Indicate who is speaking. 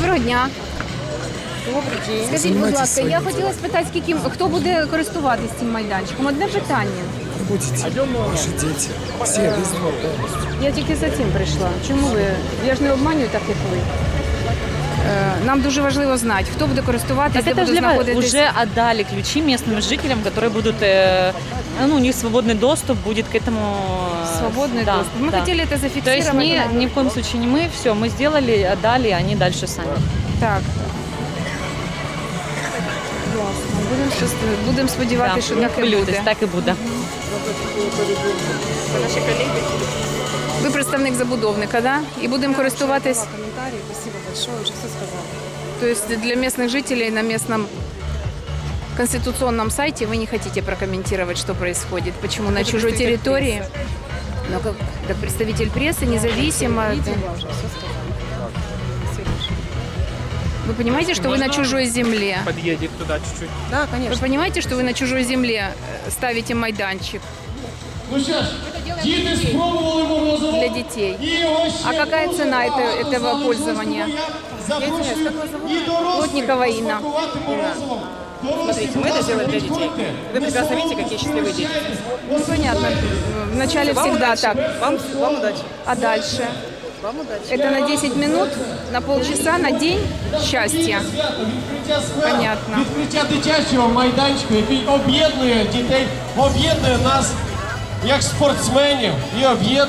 Speaker 1: Доброго дня.
Speaker 2: Добрий день.
Speaker 1: Скажіть, будь ласка, я хотіла спитати, хто буде користуватись цим майданчиком? Одне питання.
Speaker 3: Будете, ваши дети, все везде полностью.
Speaker 1: Я тільки за цим прийшла. Чому ви? Я ж не обманюю так, як ви. Нам дуже важливо знати, хто буде користуватись, де
Speaker 2: Так это
Speaker 1: буде
Speaker 2: же для вас
Speaker 1: знаходитись.
Speaker 2: уже отдали ключи местным жителям, которые будут, у них свободный доступ будет к этому.
Speaker 1: Свободный
Speaker 2: да,
Speaker 1: доступ. Мы
Speaker 2: да.
Speaker 1: хотели это
Speaker 2: То
Speaker 1: зафиксировать.
Speaker 2: есть ни в коем случае не мы, все, мы сделали, отдали, они дальше сами.
Speaker 1: Так. Ясно. Будемо сподіватися, що так і
Speaker 2: хвилюйтесь,
Speaker 1: буде.
Speaker 2: так і буде.
Speaker 1: Ви представник забудовника, да? І будемо користуватись.
Speaker 4: Комментарий, спасибо большое, уже все сказала.
Speaker 1: То есть для местных жителей на местном конституционном сайте вы не хотите прокомментировать, что происходит, почему на чужой территории. Но как представитель прессы, независимо.
Speaker 4: Видела уже, все сказала. Спасибо большое.
Speaker 1: Вы понимаете, что вы на чужой земле?
Speaker 5: Подъедет туда чуть-чуть.
Speaker 4: Да,
Speaker 1: Вы
Speaker 4: конечно.
Speaker 1: понимаете, что вы на чужой земле ставите майданчик
Speaker 6: Ну що ж, діти спробували морозиво.
Speaker 1: для детей?
Speaker 6: І його ще
Speaker 1: А какая
Speaker 6: не
Speaker 1: цена
Speaker 6: розбивали
Speaker 1: этого
Speaker 6: в залі
Speaker 1: пользования?
Speaker 6: Шостого. Я запрошую і дорослих
Speaker 1: Плотникова Инна.
Speaker 6: смакувати морозивом.
Speaker 4: Смотрите, мы это сделали для детей. Вы прекрасно видите, какие счастливые дети.
Speaker 1: Ну, понятно. Вначале всегда так.
Speaker 4: Вам удачи.
Speaker 1: А дальше?
Speaker 4: Вам удачи.
Speaker 1: Это на 10 минут, на полчаса, на день счастья.
Speaker 6: Відкриття скверу,
Speaker 1: Понятно.
Speaker 6: відкриття дитячого майданчику, який об'єднує дітей, об'єднує нас як спортсменів і об'єднує